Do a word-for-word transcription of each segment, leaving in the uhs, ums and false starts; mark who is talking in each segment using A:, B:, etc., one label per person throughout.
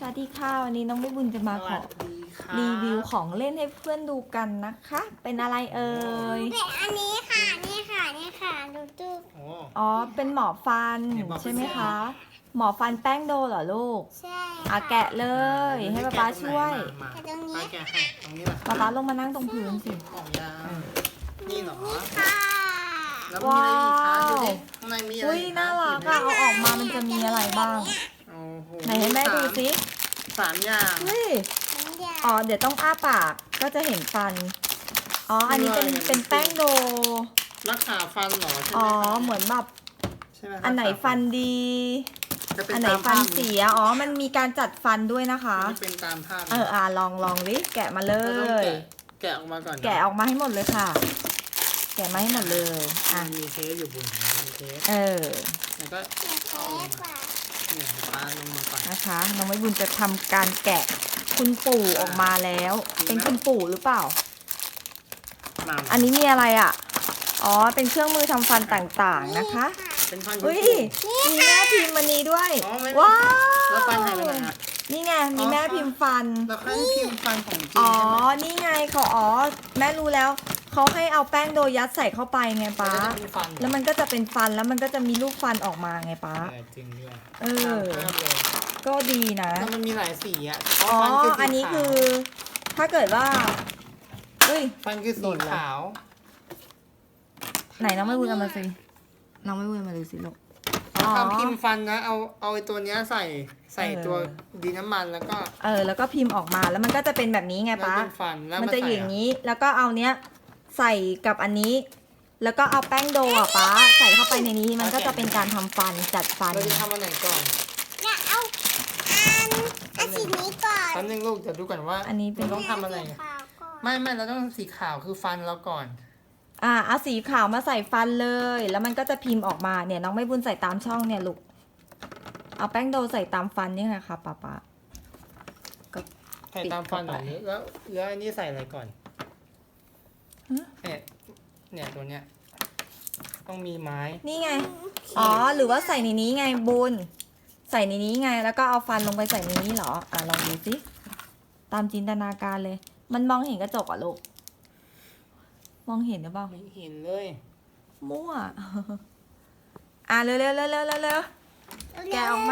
A: วัสดีค่ะวันนี้น้องไม่บุญจะมาขอรีวิวของเล่นให้เพื่อนดูกันนะคะ เป็นอะไรเอ่ย
B: เป็นอันนี้ค่ะนี่ค่ะนี่ค่ะดูดู
A: อ๋อเป็นหมอฟันใช่ไหมคะหมอฟันแป้งโดเหรอลูก
B: ใช่
A: อ่ะแกะเลยให้ป๊าป๊าช่วย
B: แต่ตรงนี้
C: แกะให้ตรงนี้แหละ
A: ป๊าป๊าลงมานั่งตรงพื้นสิ
C: ของยานี่เหรอ
B: ค่ะ
C: แล้วมีอะไรอีกคะดูดิข้างในมีอะไร
A: อุ้ยน่ารักอะเอาออกมามันจะมีอะไรบ้าง
C: โอ้โห
A: ไหนให้แม่ดูสิ
C: สามอย่าง
A: เฮ้ย
B: น้ำยา
A: อ๋อเดี๋ยวต้องอ้าปากก็จะเห็นฟันอ๋ออันนี้เป็นเป็นแป้งโด
C: รักษาฟันเหรอใช่ไหม
A: อ๋อ
C: คะ
A: เหมือนแบบ
C: ใช่ไหม
A: อันไหนฟันดี
C: จะเป็
A: อันไหน
C: ตาม
A: ฟัน
C: ภาพ
A: เสีย อ๋อ มันมีการจัดฟันด้วยนะคะ
C: จะเป็นตามภาพ
A: เออ อ่าลองลองดิ แกะมาเล
C: เราต้อง
A: ย
C: แกะแกะออกมาก่อนนะ
A: แกะออกมาให้หมดเลยค่ะ แกะมาให้หมดเลย อ่ะ
C: มันมีเทปอยู่บนหัวมีเทป
A: เออ
C: แล้วก็
B: เท
C: เอาลง
B: ป
C: มา
B: อ่ะ
C: เนี่ยปลาลงมาก่อน
A: นะคะ น้องไม้บุญจะทำการแกะคุณปู่ออกมาแล้ว เป็นคุณปู่หรือเปล่า
C: มา
A: อันนี้มีอะไรอ่ะ อ๋อ เป็นเครื่องมือทำฟันต่างๆนะคะ
C: เป็นฟัน
A: อุ้ย
C: คุณ
A: มีแม่พิมพ์มันนี้ด้วย
C: อ๋อไม่
A: ว้าว
C: แล้วฟันหายไปไหนอะ
A: นี่ไง มีแม่พิมพ์ฟัน
C: แล้วเขาให้พิมพ์ฟันของจริง
A: อ๋อ
C: ใช่ไหม
A: นี่ไงเขาอ๋อ แม่รู้แล้ว เขาให้เอาแป้งโดยัดใส่เข้าไปไงป๊า
C: แล้วก็จะเป็นฟัน
A: แล้วมันก็จะเป็นฟัน แล้วมันก็จะมีลูกฟันออกมาไงป๊า
C: เออจริงด้วย
A: เออ
C: ตามภาพเลย
A: ก็ดีนะ
C: แล้วมันมีหลายสีอ่ะ
A: อ๋อ
C: ฟัคืสี
A: อันนี้คือ
C: ขาว
A: ถ้าเกิดว่าเฮ้ย
C: ฟันคือสีขาว
A: ไหนน้องไม่พูดเอามาสิ น้องไม่พูดเอามาดูสิลูก
C: เอาทำพิมพ์ฟันนะ เอาเอาไอ้ตัวเนี้ยใส่ใส่
A: เออ
C: ตัวดีน้ำมันแล้วก็
A: เออ แล้วก็พิมพ์ออกมา แล้วมันก็จะเป็นแบบนี้ไง
C: แล้ว
A: ป๊า
C: เป็นฟันแล้ว
A: มัน
C: มา
A: จะ
C: ใส่
A: อยู่อย่างนี้ แล้วก็เอาเนี้ยใส่กับอันนี้ แล้วก็เอาแป้งโดอ่ะป๊าใส่เข้าไปในนี้ มันก็จะเป็นการทำฟันจัดฟัน
C: เราจะทำอันไหนก่อน
B: เนี่ยเอาอันอันสีนี้ก่อน
C: แป๊บนึงลูกเดี๋ยวดูก่อนว่า
A: อันนี้เป็น
C: เราต้องทำอะไร
B: สีขาวก่อน
C: ไม่ไม่เราต้องสีขาวคือฟันเราก่อน
A: อ่าเอาสีขาวมาใส่ฟันเลย แล้วมันก็จะพิมพ์ออกมาเนี่ยน้องไม่บุญใส่ตามช่องเนี่ยลูกเอาแป้งโดใส่ตามฟันนี่ไงคะป๊าป๊า
C: ใส่ตามฟันแบบนี้แล้วแล้วอันนี้ใส่อะไรก่อน
A: ฮะ
C: เนี่ยเนี่ยตัวเนี้ยต้องมีไม้
A: นี่ไงอ๋อหรือว่าใส่ในนี้ไงบุญใส่ในนี้ไง แล้วก็เอาฟันลงไปใส่ในนี้เหรออ่ะลองดูสิตามจินตนาการเลย มันมองเห็นกระจกอ่ะลูกมองเห็นหรือเปล่า
C: ไม่เห็นเลย
A: มั่ว อ่ะเร็วเร็วเร็วเร็วเร็วเร็วแกะออกมา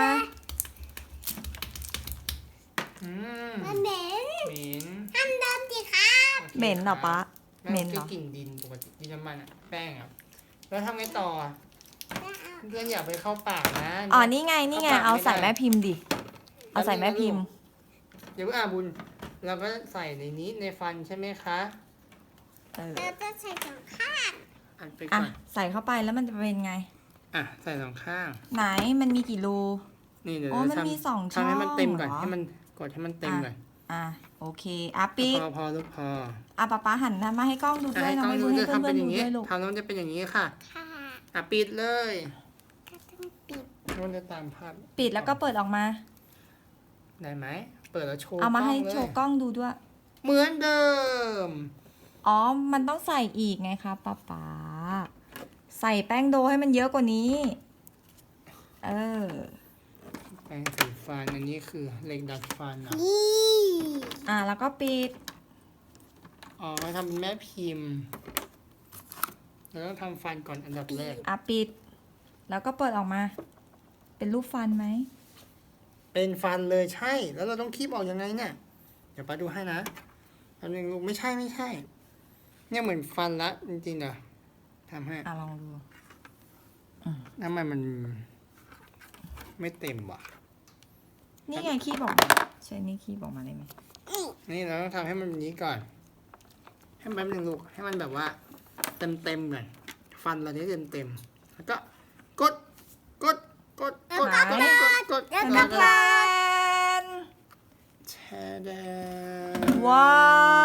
C: อืม
B: มันเหม็น
C: เหม็น
B: ทำเดิมสิครับ
A: เหม็นเหรอป๊าเหม็นเหรอ
C: คือกลิ่นดินปกติดินน้ำมันอะแป้งอะแล้วทำไงต่ออะเพื่อนอย่าไปเข้าปากนะ
A: อ๋อนี่ไงนี่ไงเอาใส่แม่พิมพ์ดิเอาใส่แม่พิมพ์
C: เดี๋ยวอ่าบุญเราก็ใส่ในนี้ในฟันใช่ไหมคะ
A: เออ
B: เราจะใส่สองข้าง
C: อันไป
A: อ่ะ
C: ก่อน
A: ใส่เข้าไปแล้วมันจะเป็นไง
C: อ่ะใส่สองข้าง
A: ไหนมันมีกี่รู
C: นี่เดี๋ยว
A: อ๋อ
C: เรา
A: มัน
C: ทำ
A: มีสอง
C: ทำให้มันเต็มก่อน
A: ช่องเหรอ
C: ให้มันกดให้มันเต็มก่อน
A: อ่ะโอเคอ่ะปิด
C: พอพอลูกพอ
A: อ่ะป๊าป๊าหันมาให้กล้องดู
C: จะ
A: ด้วย
C: ให้
A: น้
C: ก
A: อง
C: ล้อง
A: ไม่
C: ดู
A: ดูให้
C: จะ
A: เพื่อน
C: ทำเป็น
A: ๆ
C: อ
A: ดู
C: ย่างนี้
A: ด้วยลูก
C: ทำแล้วมันจะเป็นอย่างนี้ค่ะ
B: ค่ะ
C: อ่ะปิดเลย
B: ก็ต้องปิด
C: มันจะตามภาพ
A: ปิดแล้วก็เปิดออกมา
C: ได้ไหมเปิดแล้วโชว์
A: เอามาให้
C: กล้งลย
A: โชว์กล้องดูด้วย
C: เหมือนเดิม
A: อ๋อ มันต้องใส่อีกไงคะป๊าป๊าใส่แป้งโดให้มันเยอะกว่านี้ เออ
C: แปรงสีฟันอันนี้คือเหล็กดัดฟันอ่ะ
B: นี่
A: อ่ะแล้วก็ปิด
C: อ๋อทำเป็นแม่พิมพ์เราต้องทำฟันก่อนอันดับแรก
A: อ่ะปิด แล้วก็เปิดออกมา เป็นรูปฟันไหม
C: เป็นฟันเลยใช่ แล้วเราต้องคีบออกยังไงเนี่ย เดี๋ยวป้าดูให้นะอันนึงลูกไม่ใช่ไม่ใช่ เนี่ยเหมือนฟันละจริงๆเดี๋ยวทำให้
A: อ่ะลองดู
C: ทำไมมันไม่เต็มวะ
A: นี่ไงคีบออกมาใช่นี่คีบออกมาได้ไหม
C: นี่เราต้องทำให้มันแบบนี้ก่อน ให้มันหนึ่งลูกให้มันแบบว่า เต็มเต็มๆก่อนฟันเราเนี้เต็มเต็มๆแล้วก็กดกดกดกดกดกดกด
A: แล้
C: แล้ว ว
A: ก็
C: ก็
A: แพน
C: แช่แดง
A: ว้าว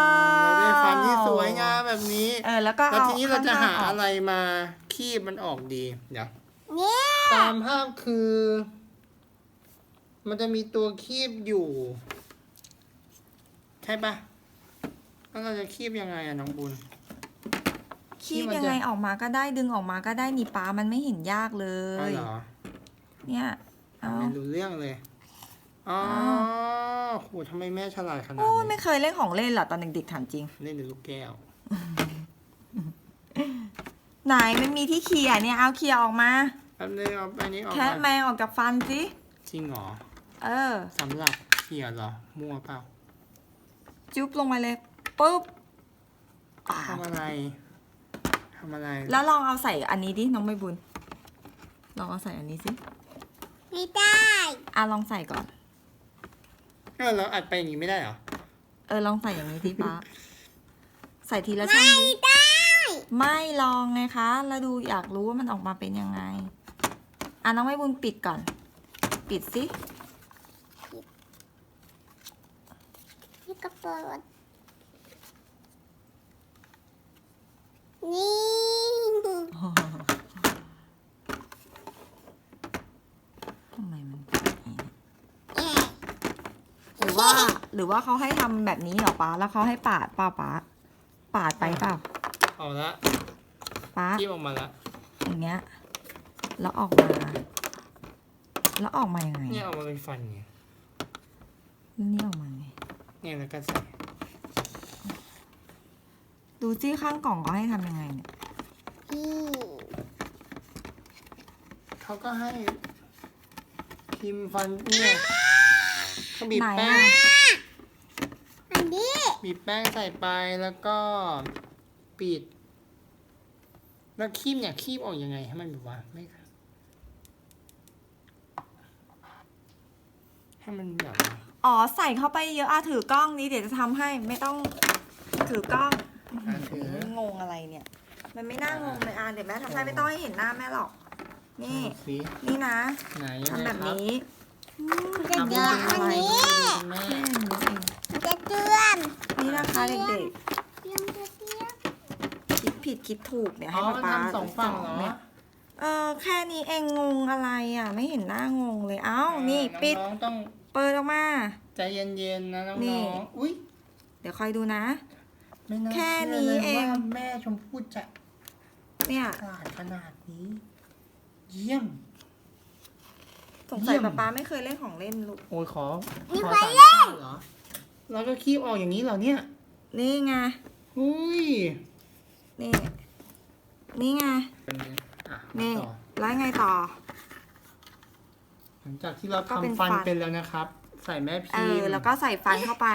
C: เราได้ฟันที่สวยงามแบบนี้
A: เออแล้วก็
C: แล้ว
A: เอา
C: ทีนี้เราจะหา
A: ข้งๆก
C: อะไรมาคีบมันออกดี เดี๋ยว
B: เนี่ย
C: ตามภาพคือ มันจะมีตัวคีบอยู่ ใช่ปะแล้วเราจะคีบยังไงอะน้องบุญ
A: คีบยังไงออกมาก็ได้ดึงออกมาก็ได้นี่ป้ามันไม่เห็นยากเล
C: อ๋อย เหรอ
A: เนี่ยเอา
C: ไม่รู้เรื่องเลย อ๋อ
A: อ้
C: หทำไมแม่ฉลาดขนาด
A: โอ้ย
C: นี้
A: ไม่เคยเล่นของเล่นเหรอตอนเด็กๆถามจริง
C: เล่นในลูกแก้ว
A: ไหนมันมีที่เขี่ยเนี่ยเอาเขี่ยออกมา
C: แป๊บนึงเอาอันนี้ออก
A: แคะ
C: มา
A: แมงออกจากฟันสิ
C: จริงเหรอ
A: เออ
C: สำหรับเขี่ยเหรอ มั่วเปล่า
A: จุ๊บลงมาเลยปุ๊บอ่า
C: ทำอะไร ทำอะไร
A: แล้วลองเอาใส่อันนี้ดิน้องใบบุญลองเอาใส่อันนี้สิ
B: ไม่ได้
A: อ่ะลองใส่ก่อน
C: เออเราอัดไปอย่างนี้ไม่ได้เหรอ
A: เออลองใส่อย่างนี้ที่ป้าใส่ทีละช่อง
B: ไม่
A: ดิ
B: ได้
A: ไม่ลองไงคะ แล้วดูอยากรู้ว่ามันออกมาเป็นยังไง อ่ะน้องใบบุญปิดก่อน ปิดสิ
B: นี่กระเปิดนี่
A: ทำไมมันเป็นอย่างนี้
B: เอ๊ะ
A: หรือว่า หรือว่าเขาให้ทำแบบนี้เหรอป้าแล้วเขาให้ปาดเปล่าป้าปาดไปเปล่า
C: เอาละ
A: ป้า
C: จิ้มออกมาละ
A: อย่างเงี้ย แล้วออกมา แล้วออกมายังไง
C: เนี่ยออกมาเป็นฟันไง
A: แล้วนี่ออกมาไง
C: เนี่ยแล้วก็ใส่
A: ดูซี่ข้างกล่องเขาให้ทำยังไงเนี่ย
B: นี่
C: เขาก็ให้พิมพ์ฟันเนี่ยเขาบีบ
A: ไหน
C: แป้
A: อะ
C: ง
B: อันนี้
C: บีบแป้งใส่ไปแล้วก็ปิด แล้วคีบเนี่ยคีบออกยังไงให้มันแบบว่าไม่ให้มันแบบว่า
A: อ๋อใส่เข้าไปเยอะอ่ะถือกล้องนี้เดี๋ยวจะทำให้ไม่ต้องถือกล้อง
C: อ่ะถือ
A: งงอะไรเนี่ย มันไม่น่างงเลยอ่ะเดี๋ยวแม่ทำให้ไม่ต้องให้เห็นหน้าแม่หรอก นี่
C: ดูสิ
A: นี่นะ
C: ไหนยัง
A: ทำ
C: ไง
A: แบบ
C: ครับ
A: นี้
B: จะ
C: ทำ
B: เดือด
C: ดู
B: อัน
C: ดู
B: นี้
C: ดูแม่
A: แค่นี้เอง
B: จะเตือน
A: นี่นะคะเด็ก
B: ยังจะเตือน
A: ๆคิดผิดคิดถูกเนี่ย
C: อ๋
A: ให้
C: อ
A: ป๊า
C: มัน
A: ป๊า
C: ทำสองฝั่งเหรอ
A: เนี่ยเออแค่นี้เองงงอะไรอ่ะ ไม่เห็นหน้างงเลยเอ้านี่ปิด
C: น้องๆต้อง
A: เปิดออกมา
C: ใจเย็นๆนะน้
A: นี่
C: องๆอุ้ย
A: เดี๋ยวคอยดูนะ
C: ไม่น่า
A: แค่
C: เชื่อเลย
A: นี้เอง
C: ว่าแม่ชมพู่จะ
A: เนี่ย
C: ฉลาดขนาดนี้ เยี่ยม
A: สงสัย
C: เยี่ยม
A: ป๊าป๊าไม่เคยเล่นของเล่นลูก
C: โอ้ยขอ
B: มี
C: ขอ
B: ไฟ
C: สาม
B: เล่น
C: ข้าวเหรอ แล้วก็คีบออกอย่างนี้เหรอเนี่ย
A: นี่ไง
C: อุ้ย
A: นี่ นี่ไง
C: เป็นไงอ่ะ
A: นี่
C: ต่อ
A: แล้วไงต่อ
C: หลังจากที่เรา
A: ก็เป็น
C: ทำฟัน
A: ฟัน
C: เป็นแล้วนะครับ ใส่แม่
A: เอ
C: พิม
A: อ
C: พ์
A: แล้วก็ใส่ฟันเข้าไป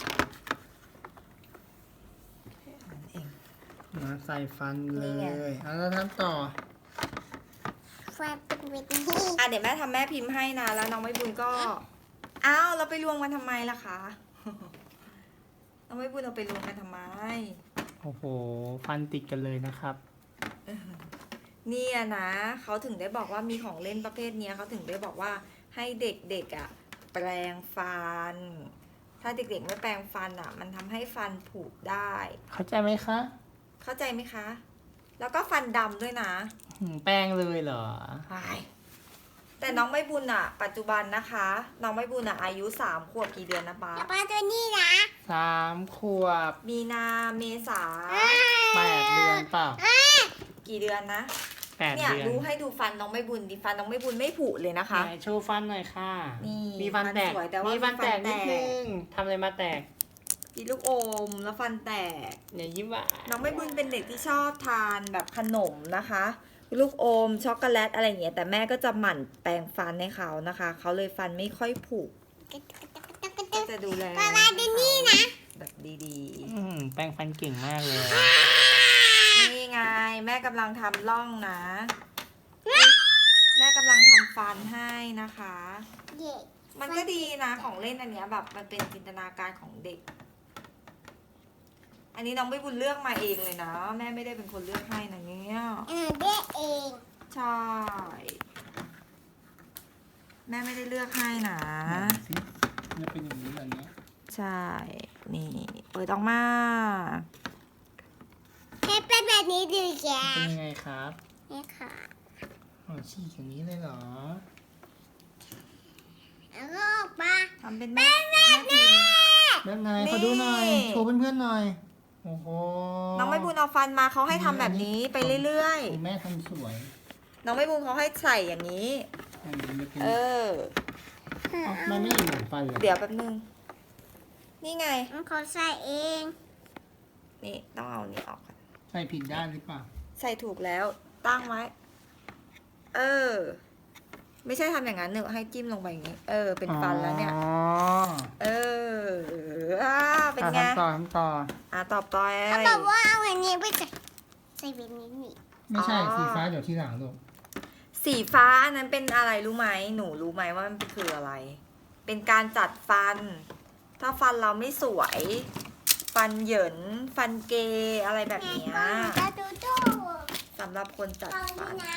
A: นั่นเอง
C: มาใส่ฟันเล
A: นี่ไง
C: ยเอาแล้วทำต่อ
B: ไฟเป็นเวที
A: อ่ะเดี๋ยวแม่ทำแม่พิมพ์ให้นะ แล้วน้องไม่บุญก็ อ้าวเราไปรวมกันทำไมล่ะคะ น้องไม่บุญเราไปรวมกันทำไม
C: โอ้โห ฟันติดกันเลยนะครับ
A: เนี่ยนะเขาถึงได้บอกว่ามีของเล่นประเภทเนี้ยเขาถึงได้บอกว่าให้เด็กๆอ่ะ แปรงฟัน ถ้าเด็กๆไม่แปรงฟันอ่ะ มันทำให้ฟันผุได้
C: เข้าใจไหมคะ
A: เข้าใจไหมคะ แล้วก็ฟันดำด้วยนะ
C: หืมแป้งเลยเหรอ
A: ใช่แต่น้องไม่บุญอ่ะ ปัจจุบันนะคะ น้องไม่บุญอ่ะอายุสามขวบกี่เดือนนะป๊า
B: แล้วปลาตัวนี้นะ
C: สามขวบ
A: มีนาเมษา
C: แปดเดือนเปล่า
A: กี่เดือนนะ
C: แปด
A: เนี่ย
C: เดือน
A: ดูให้ดูฟันน้องไม่บุญดิฟันน้องไม่บุญไม่ผุเลยนะคะ
C: ไหนโชว์ฟันหน่อยค่ะ
A: นี่
C: มีฟันแตก
A: ฟันสวยแต่ว่ามี
C: มีฟันแตก
A: ฟันแต
C: นิ
A: ก
C: ดนึงทำอะไรมาแตก
A: กินลูกอมแล้วฟันแตก
C: เนี่ยยิ้มหวาน
A: น้องไม่บุญเป็นเด็กที่ชอบทานแบบขนมนะคะ ลูกอมช็อกโกแลตอะไรอย่างเงี้ยแต่แม่ก็จะหมั่นแปรงฟันให้เขานะคะเขาเลยฟันไม่ค่อยผุก็จะดูแล
B: ปลาปลาตัวนี้นะ
A: แบบดี
C: อืมแปรงฟันเก่งมากเลย
A: ๆนี่ไงแม่กำลังทำร่องนะ แม่กำลังทำฟันให้นะคะ
B: เด็ก
A: มันก็ดีนะของเล่นอันเนี้ยแบบมันเป็นจินตนาการของเด็ก อันนี้น้องไม่บุญเลือกมาเองเลยนะ แม่ไม่ได้เป็นคนเลือกให้นะเนี่ย
B: เออเด็กเอง
A: ใช่ แม่ไม่ได้เลือกให้นะ
C: สิจะเป็นอย่างนี้เหรอเนี่ย
A: ใช่ นี่ เปิดออกมา
B: ให้เป็นแบบนี้ดูแก
C: เป็นยังไงครับ
B: นี่ค่ะ
C: อ๋อฉีกอย่างนี้เลยเหรอ
B: แล้วก็ออกมา
A: ทำเป็นแม่แม่พิมพ์
C: แบบไหน
A: นี่
C: ขอดูหน่อย โชว์เพื่อนๆหน่อย โอ้โห
A: น้องไม่บุญเอาฟันมาเขาให้ทำแบบนี้ไปเรื่อย
C: คุณแม่ทำสวย
A: ๆ น้องไม่บุญเขาให้ใส่อย่างนี้
C: อันนี้จะเป็น
A: เออ
C: เอ้ามันไม่เห็นเหมือนฟันเลย
A: เดี๋ยวแป๊บนึงนี่ไง
B: มันขอใส่เอง
A: นี่ต้องเอานี่ออกก่อน
C: ใส่ผิดด้านหรือเปล่า
A: ใส่ถูกแล้วตั้งไว้ เออ ไม่ใช่ทำอย่างนั้นเนอะให้จิ้มลงไปอย่างนี้ เออ เป็นฟันแล้วเนี่ย
C: อ๋อ
A: เอออ่าเป็นไง
C: อ่ะทำต่อทำต่อ
A: อ่าตอบต่อ
B: เขา
A: อะไร
B: บอกว่าเอาอันนี้ไปใส่ใส่แบบนี้นี่
C: ไม่ใช่
A: อ๋อ
C: สีฟ้าเดี๋ยวที่หลังลูก
A: สีฟ้าอันนั้นเป็นอะไรรู้ไหม หนูรู้ไหมว่ามันคืออะไร เป็นการจัดฟัน ถ้าฟันเราไม่สวย ฟันเหยิน ฟันเกยอะไรแบบ
B: แม่
A: เนี้ย
B: ก็ดูดู
A: สำหรับคนจัด
B: ตอน
A: ฟัน
B: นั้น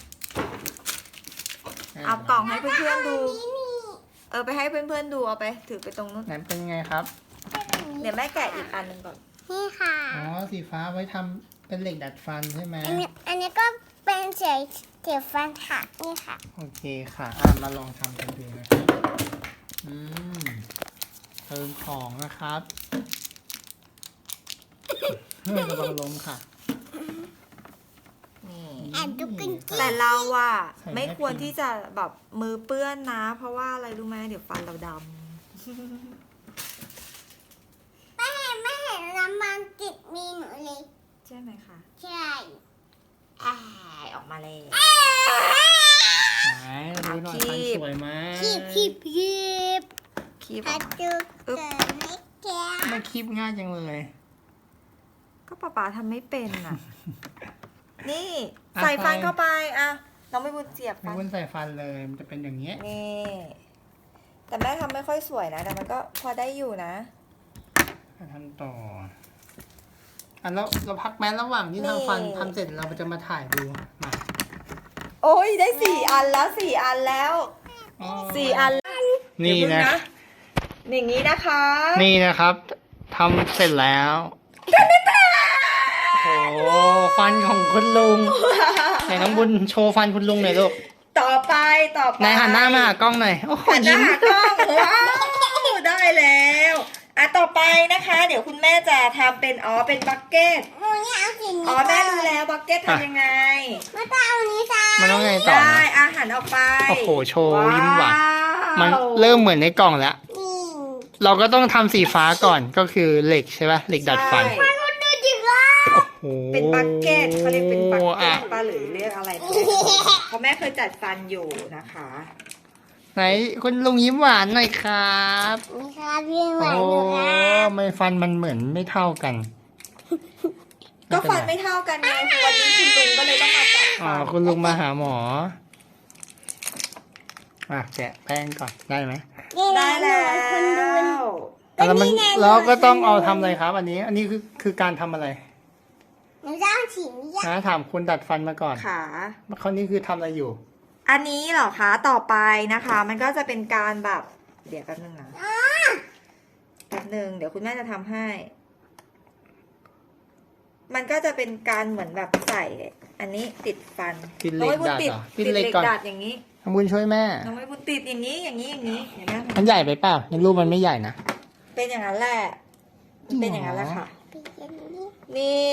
A: เอากล่องให้เพื่อนๆดู
B: นี่นี่
A: เออไปให้เพื่อนๆดูเอาไปถือไปตรงนู้น
C: ไหนเป็นไงครับ
A: เดี๋ยวแม่แกะอีกอันหนึ่งก่อน
B: นี่ค่ะ
C: อ๋อ สีฟ้าไว้ทำเป็นเหล็กดัดฟันใช่ไหม
B: อันนี้อันนี้ก็เป็นเสียเสียฟันค่ะนี่ค่ะ
C: โอเคค่ะ อ่ะ มาลองทำกันดูนะครับ อืมเติมของนะครับเฮ้ยระวังล้มค่ะ
A: นี่
B: แอบดูกันกิน
A: แต่เราอะ
C: ใส่
A: ไม่
C: แม่
A: ควร
C: พิมพ์
A: ที่จะแบบมือเปื้อนนะ เพราะว่าอะไรรู้ไหมเดี๋ยวฟันเราด
B: ไม่เห็นไม่เห็นน้ำมันติดมีหนูเลย
A: ำใช่ไหมคะ
B: ใช่
A: อ้ายออกมาเลย
C: ไหนดูหน่อยฟันสวยไหม
B: คีบคีบคีบ
A: คีบอ
B: พั
A: อก
B: ด
A: มา
B: ดูเกิดไม่แก่
C: ไม่คีบง่ายจังเลย
A: ก็ป๊าป๊าทำไม่เป็นอ่ะ นี่
C: อ่ะ
A: ใส่ฟัน
C: ใส่
A: เข้าไปอ่ะน้องไม่บุญเสียบ
C: ไม่
A: ฟัน
C: วุ้นใส่ฟันเลย มันจะเป็นอย่างเงี้ย
A: นี่แต่แม่ทำไม่ค่อยสวยนะ แต่มันก็พอได้อยู่นะ
C: ทำต่ออ่ะแล้วเราพักแม้ระหว่างที่
A: นี่
C: ทำฟันทำเสร็จเราจะมาถ่ายดูมา
A: โอ้ยได้สี่อันแล้วสี่อันแล้ว
C: อ๋อ
A: สี่อัน
C: นี่
A: เดี๋ยว
C: นะ
A: พึ่งอย่างนี้นะคะ
C: นี่นะครับทำเสร็จแล้วโอ้โหฟันของคุณลุงไหนน้องบุญโชว์ฟันคุณลุงหน่อยลูก
A: ต่อไปต่อไป
C: ไหนหันหน้ามาหากล้องหน่อยโอ้โห
A: หันหน้า
C: ยิ้ม
A: หากล้องว้าวได้แล้วอ่ะต่อไปนะคะ เดี๋ยวคุณแม่จะทำเป็นอ๋อเป็นบักเก็ต
B: หนูเนี่ยเอาสีนี้
A: อ๋อแม่รู้แล้วบักเก็ตทำยังไง
B: มาตาเอานี้ใส่
C: มันต้องไงต่อ
A: ได้
C: นะ
A: อาหารออกไป
C: โอ้โหโชว์ยิ้มหวาน
A: ว้าว
C: มันเริ่มเหมือนในกล่องแล้ว
B: นี่
C: เราก็ต้องทำสีฟ้าก่อนก็คือเหล็กใช่ปะเหล็กดัดฟัน
A: ใช่
B: มันดูจิ๋วอ่ะ
C: โอ้โห
A: เป็นบักเก็ตเขาเรียกเป็นบักเก็
C: อ่ะ
A: ตป้าหรือเรียกอะไรก็เพราะแม่เคยจัดฟันอยู่นะคะ
C: ไหนคุณลุงยิ้มหวานหน่อยครับ
B: นี่ค่ะพี่หวาน
C: โอ้
B: ดูค่ะ
C: ไม่ฟันมันเหมือนไม่เท่ากัน
A: ก็ฟันไม่เท่ากันไงวันนี้คุณลุงก็เลยต้องมาจัด
C: อ๋อ
A: ฟัน
C: คุณลุงมาหาหมออ่ะแกะแป้งก่อนได้ไหม
B: นี่
A: ได้
B: แห
A: แล้
B: ละคนดู
A: ว
C: อ่ะแล้วมันเราก็ต้องเอาทำอะไรครับ อันนี้ อันนี้คือคือการทำอะไร
B: หนูจะเอาสีนี้อ่ะ
C: นะถามคุณดัดฟันมาก่อน
A: ค่ะ
C: เขานี่คือทำอะไรอยู่
A: อันนี้เหรอคะต่อไปนะคะ มันก็จะเป็นการแบบ เดี๋ยวแป๊บนึงนะแป๊บนึงเดี๋ยวคุณแม่จะทำให้ มันก็จะเป็นการเหมือนแบบใส่ อันนี้ติดฟัน
C: ติดเหล็ก
A: น้องไม่บุญ
C: ดัด
A: ติด
C: เหรอ
A: ติด
C: ติดเหล็
A: เหล็
C: ก
A: ก
C: ก่อน
A: ดัดอย่างนี้
C: ทำบุญช่วยแม่
A: น้องไม่บุญติดอย่างนี้อย่างนี้อย่างนี้อย่างนี้
C: มันใหญ่ไปเปล่าในรูปมันไม่ใหญ่นะ
A: เป็นอย่างนั้นแหละมันเป็นอย่างนั้นแหละค่ะ
B: เป็นอย่างนี้
A: นี่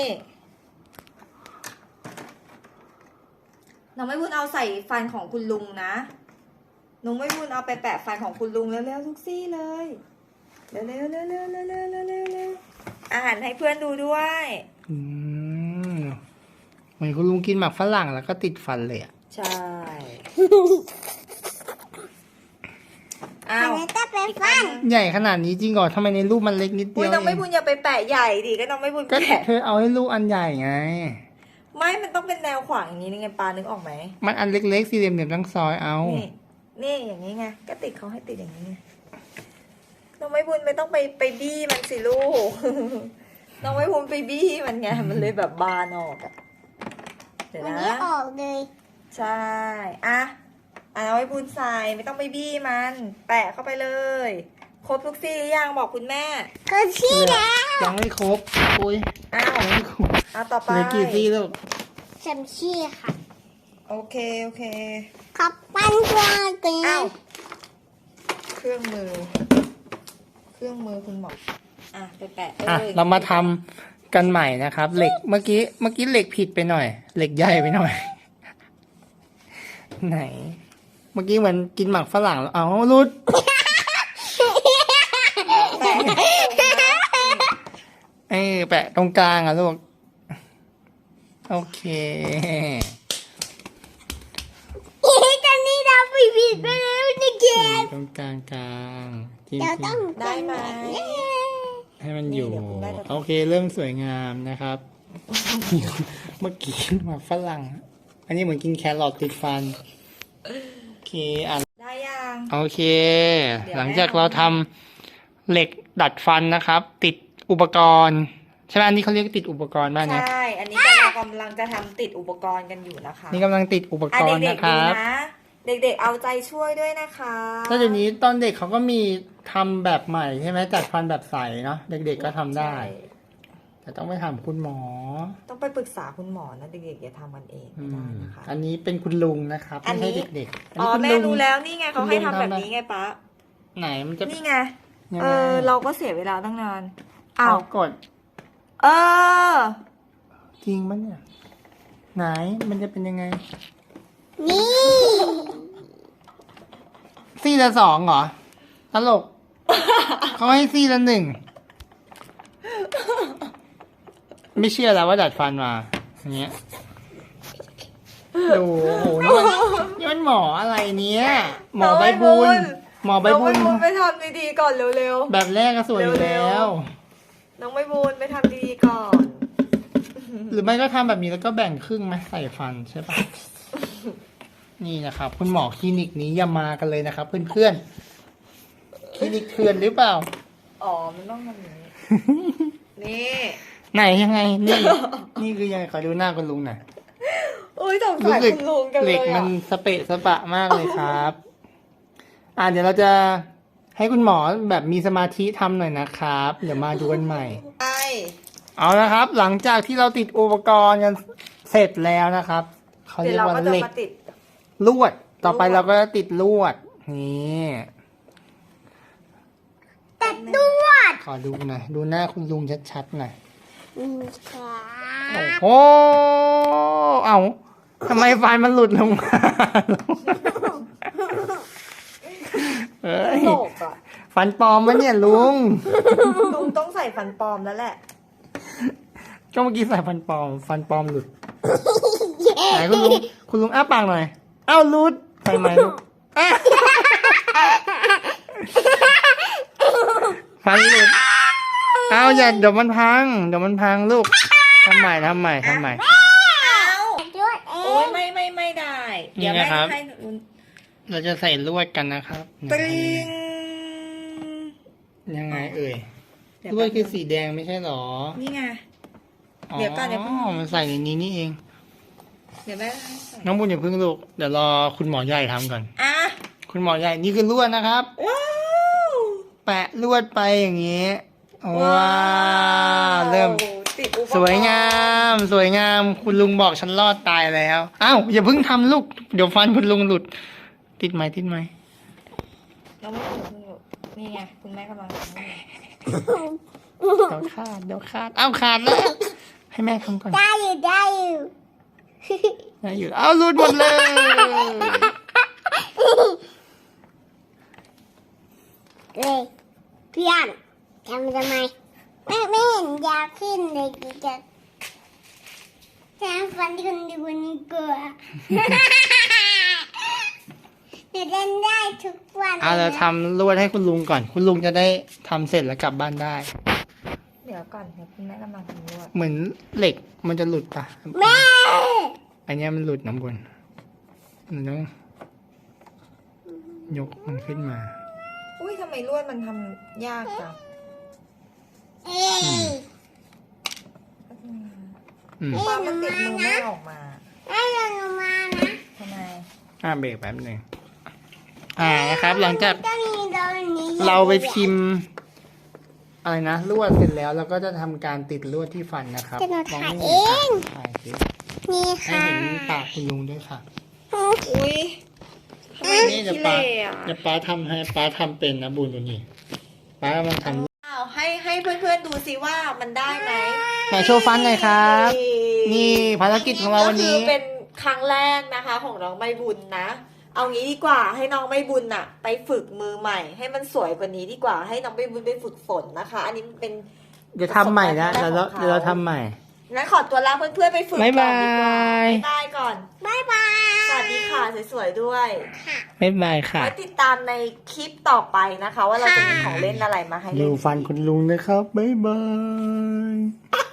A: น้องไม่บุญเอาใส่ฟันของคุณลุงนะน้องไม่บุญเอาไปแปะฟันของคุณลุงเร็วๆทุกซี่เลยเร็วๆเร็วๆเร็วๆเร็วๆเร็วๆเร็วๆเร็วๆอาหารให้เพื่อนดูด้วย
C: อืมเหมือนคุณลุงกินหมากฝรั่งแล้วก็ติดฟันเลยอ่ะ
A: ใช่
B: อั
A: อ้าน ว
B: นี้จะเป็นฟัน
C: ใหญ่ขนาดนี้จริงเหรอทำไมในรูปมันเล็กนิดเดี
A: อุ้ย
C: ยว
A: น้อง
C: เอ
A: ไม่
C: ง
A: บุญอย่าไปแปะใหญ่ดิก็น้องไม่บุญ
C: ก็
A: แปะ
C: เธอเอาให้ลูกอันใหญ่ไง
A: ไม่มันต้องเป็นแนวขวางอย่างนี้นี่ไงปลานึกออกไหม
C: มันอันเล็กๆสี่เหลี่ยมๆทั้งซอยเอา
A: นี่นี่อย่างนี้ไงก็ติดเขาให้ติดอย่างนี้ไงน้องไม่บุญไม่ต้องไปไปบี้มันสิลูก น้องไม่บุญไปบี้มันไงมันเลยแบบบานออกอะเดี๋ยว
B: วัน
A: นะ
B: นี้ออกเลย
A: ใช่อ่ะอ่ะน้องไม่บุญใส่ไม่ต้องไปบี้มัน แปะเข้าไปเลยครบทุกซี่หรือยังบอกคุณแม่
B: ก็ชี้แล้ว
C: ยังไม่ครบอุ้ย
A: อ้าว
C: ยังไม่ครบ
A: อ่ะต่อไป
C: เหลือกี่ซี่ลูก
B: ฉันชี้ค่ะ
A: โอเคโอเค
B: ขับปั้นกว่ากั
A: อ้าน วเครื่องมือ เครื่องมือคุณหมออ่ะไปแปะ
C: อ่ะ
A: อ้ย
C: เรามาทำกันใหม่นะครับ เหล็กเมื่อกี้เมื่อกี้เหล็กผิดไปหน่อย เหล็กใหญ่ไปหน่อย ไหน เมื่อกี้เหมือนกินหมักฝรั่งแล้วเอารุด
A: แปะให้ตรง
C: เออแปะตรงกลางอ่ะลูกโอเค
B: เอ๊ะตอนนี้เราผิดผิดไปแล้วนะเกม
C: ตรงกลางกลางจริง
B: เราต้อง
A: ได้ไหม
C: ให้มันอยู่
A: นี่เดี๋ยวคุณแม่จะทำ
C: โอเคเริ่มสวยงามนะครับ เมื่อกี้มาฝรั่ง อันนี้เหมือนกินแครอทติดฟันโอเคอ่ะ
A: ได้ยัง
C: โอเค
A: เดี๋ยว
C: หลังจาก
A: แม่
C: เราทำเหล็กดัดฟันนะครับ ติดอุปกรณ์ใช่ไหมอันนี้เขาเรียกติดอุปกรณ์บ้านเนี่ย
A: ใช่ อันนี้เรากำลังจะทำติดอุปกรณ์กันอยู่นะคะ
C: นี่กำลังติดอุป
A: อ่ะ
C: กรณ์
A: เด็
C: นะ
A: ก
C: ค
A: ๆดู
C: รับ
A: นะ เด็กๆเอาใจช่วยด้วยนะคะ
C: ถ้าเดี๋ยวนี้ตอนเด็กเขาก็มีทำแบบใหม่ใช่ไหมจัดฟันแบบใสเนาะเด็กๆก็ทำได้
A: ใช่
C: แต่ต้องไปถามคุณหมอ
A: ต้องไปปรึกษาคุณหมอนะเด็กๆอย่าทำกันเอง
C: อื
A: ไม่ได้
C: ม
A: นะคะ
C: อันนี้เป็นคุณลุงนะครับ
A: อัน
C: ไม่
A: นี้
C: ใช่เด็กๆ
A: อ๋อ
C: คุณ
A: แม่
C: ลุง
A: รู้แล้วนี่ไงเขาให้ทำ
C: คุณลุง
A: แบบ
C: ทำ
A: นี้ไงป๊า
C: ไหนมันจะ
A: นี่ไง
C: ยัง
A: เอ
C: ไง
A: อ เราก็เสียเวลาตั้งนาน
C: เอา
A: อ้าว
C: กด
A: เออ
C: จริงมั้ยเนี่ยไหนมันจะเป็นยังไง
B: นี่
C: ซี่ละสองเหรอตลก เขาให้ซี่ละหนึ่งไม่เชื่อแล้วว่าดัดฟันมาอย่างเงี้ยดูโอ้โหนี่มันนี่มันหมออะไรเนี้ยหมอใบบุญหมอใบ
A: น้อง
C: บุ
A: ใบ
C: ญ
A: บุญไปทำดีๆก่อนเร็ว
C: แบบแรกก็สวยอยู่
A: เร็
C: แล้ว ว
A: ๆ น้องใบบุญไปทำดีๆก่อน
C: หรือไม่ก็ทำแบบนี้แล้วก็แบ่งครึ่งไหมใส่ฟันใช่ปะ นี่นะครับ คุณหมอคลินิกนี้อย่ามากันเลยนะครับ เพื่อนๆคลินิกเถื่อนหรือเปล่า
A: อ๋อ มันต้องทำอย่างนี้ นี่
C: ไหนยังไง นี่ นี่คือยังไงขอดูหน้าคุณลุงหน่อย
A: อุ้ยสง
C: รู้
A: สาร
C: สึก
A: คุณลุงกัน
C: เห
A: เล
C: ล็
A: ย
C: กมั
A: อ่ะ
C: นสเปะสปะมากเลยครับ อ่าเดี๋ยวเราจะให้คุณหมอแบบมีสมาธิทำหน่อยนะครับ เดี๋ยวมาดูกันใหม่
A: ไอ
C: เอาละครับ หลังจากที่เราติดอุปกรณ์กันเสร็จแล้วนะครับ เขา
A: เดี๋
C: เรี
A: ย
C: ยว ก
A: เรา
C: ว่า
A: ก็จะ
C: เหล็ก
A: มาติด
C: ลวด ต่อไป
A: ลวด
C: เราก็จะติดลวด นี่
B: ตัดด้วย
C: ขอดูหน่อย ดูหน้าคุณลุงชัดๆหน่อย
B: นี่ค่ะ
C: โอ้เอ้าทำไมไฟมันหลุดลงมา เอ้ย
A: โลกอ่ะ
C: ฟันปลอมมะเนี่ยลุง
A: ลุงต้องใส่ฟันปลอมแล้วแหละ
C: ก็เมื่อกี้ใส่ฟันปลอม ฟันปลอมหลุด ไหนคุณลุง คุณลุงอ้าปากหน่อย เอ้าหลุดใส่ไหมลูกอ่ะฟันหลุด เอ้าอย่าเดี๋ยวมันพัง เดี๋ยวมันพังลูก ทำใหม่ทำใหม่ทำใหม่
A: เอา
B: ด้วยเอ
A: โอ้ย
B: ง
A: ไม่ไม่ไม่ได้ เดี๋ยว
C: นี่
A: แม่
C: นะครับ
A: ให้ลุง
C: เราจะใส่ลวดกันนะครับ
A: ตริง
C: ยังไงเอ่ย
A: เดี๋ยว
C: ลวดคือสีแดงไม่ใช่หรอ
A: นี่ไง เดี๋ยวก่อนเดี๋ยวเพิ่ง
C: อ๋อมันใส่ในนี้นี่เอง
A: เดี๋ยวแม่ให้ใส่
C: น้องบุญอย่าเพิ่งลูก เดี๋ยวรอคุณหมอใหญ่ทำก่อน
A: อ่ะ
C: คุณหมอใหญ่นี่คือลวดนะครับ
A: ว้าว
C: แปะลวดไปอย่างนี้ ว้าวเริ่ม
A: ติดอุปกรณ์
C: สวยงาม สวยงาม คุณลุงบอกฉันรอดตายแล้ว อ้าวอย่าเพิ่งทำลูก เดี๋ยวฟันคุณลุงหลุด ติดไหมติดไหม
A: เราไม่ถึงคุณอยู่นี่ไงคุณแม่กำลังทำให้
C: เดี๋ยวขาด เดี๋ยวขาด อ้าวขาดแล้ว ให้แม่ทำก่อน
B: ได้อยู่ได้อยู่
C: ได้อยู่อ้าวหลุดหมดเลย
B: เลยเพื่อนทำทำไมไม่ไม่เห็นยาวขึ้นเลยกูจะแทงฟันคนดีกว่านี้กว่าจะเล่นได้ทุกวัน
C: เอาเราทำลวดให้คุณลุงก่อน คุณลุงจะได้ทำเสร็จแล้วกลับบ้านได้
A: เดี๋ยวก่อนเดี๋ยวคุณแม่กำลังทำนวด
C: เหมือนเหล็กมันจะหลุดปะ
B: แม่
C: อันเนี้ยมันหลุดน้ำบนมันต้องยกมันขึ้นมา
A: อุ้ยทำไมลวดมันทำยากจัง
B: เอ้ย
C: อืม
A: ปลามันติดมือไม่ออกมา
B: ให้เราลงมานะ
A: ทำไม
C: อ่าเบรกแป๊บหนึ่งอ่านะครับ หลังจาก
B: ต้องมีเราอันนี้
C: เราไปพิมพ์ อะไรนะลวดเสร็จแล้วเราก็จะทำการติดลวดที่ฟันนะครับ
B: จะมา
C: มอง
B: ถ่าย
C: ไม่
B: เอ
C: เห็น
B: ง
C: ถ่ายสิ
B: นี่
C: ให้
B: ค่ะ
C: เห็นปากคุณลุงด้วยค่ะ
A: อุ้ยทำไม
C: นี่
A: ขี้
C: เดี๋ยว
A: เละ
C: ป้า
A: อ่ะ
C: เดี๋ยวป้าทำให้ป้าทำเป็นนะบุญตัวนี้ป้ากำลังทำ
A: อ้าวให้ให้เพื่อนๆดูซิว่ามันได้ไหม
C: ไหนโชว์ฟันหน่อยครับ นี่ภารกิจของเราวันนี้
A: ก็คือเป็นครั้งแรกนะคะ ของน้องใบบุญนะ เอางี้ดีกว่าให้น้องใบบุญน่ะ ไปฝึกมือใหม่ ให้มันสวยกว่านี้ดีกว่าให้น้องใบบุญไปฝึกฝนนะคะ อันนี้มันเป็น
C: เดี๋ยวทำใหม่นะ
A: ประส
C: เดี๋ยว
A: บการณ์
C: เราเดี๋ยวเราทำใหม่
A: งั้นขอตัวลาเพื่อนๆไปฝึกก่อน
C: บ๊าย
A: ดีก
C: บา
A: ว่าย บ๊ายบายก่อน
B: บายบาย
A: สวัสดีค่ะสวยๆด้วย
B: ค่ะ
C: บ๊ายบายค่ะ
A: ไว้ติดตามในคลิปต่อไปนะคะ ว่าเราจะมีของเล่นอะไรมาให้
C: ดู
A: เล่น
C: ฟันคุณลุงนะครับ บ๊ายบาย